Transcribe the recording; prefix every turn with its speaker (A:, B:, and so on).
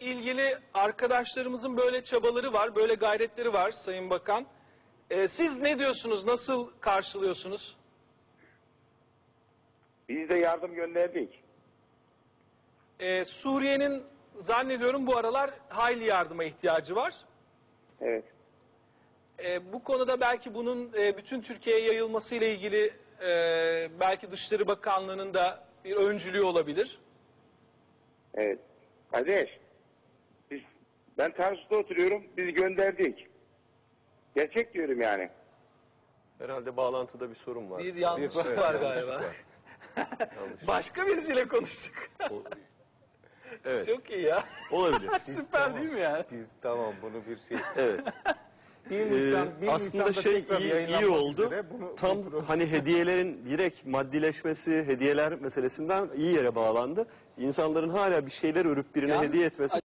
A: ilgili arkadaşlarımızın böyle çabaları var, böyle gayretleri var Sayın Bakan. Siz ne diyorsunuz, nasıl karşılıyorsunuz?
B: Biz de yardım gönderdik.
A: Suriye'nin zannediyorum bu aralar hayli yardıma ihtiyacı var.
B: Evet.
A: Bu konuda belki bunun bütün Türkiye'ye yayılması ile ilgili belki Dışişleri Bakanlığı'nın da bir öncülüğü olabilir.
B: Evet. Kardeş, ben Tarsus'ta oturuyorum, biz gönderdik. Gerçek diyorum yani.
C: Herhalde bağlantıda bir sorun var.
A: Bir yanlışlık var galiba. Başka birisiyle konuştuk.
C: Evet.
A: Çok iyi ya.
C: Olabilir.
A: Süper değil mi yani?
D: Biz tamam bunu bir şey.
C: Evet.
D: 1 Nisan, 1
C: Aslında
D: Nisan'da
C: şey
D: tekrar
C: iyi
D: yayınlanmak
C: oldu.
D: üzere. Bunu
C: Tam hani hediyelerin direkt maddileşmesi, hediyeler meselesinden iyi yere bağlandı. İnsanların hala bir şeyler örüp birine
A: Yalnız
C: hediye etmesi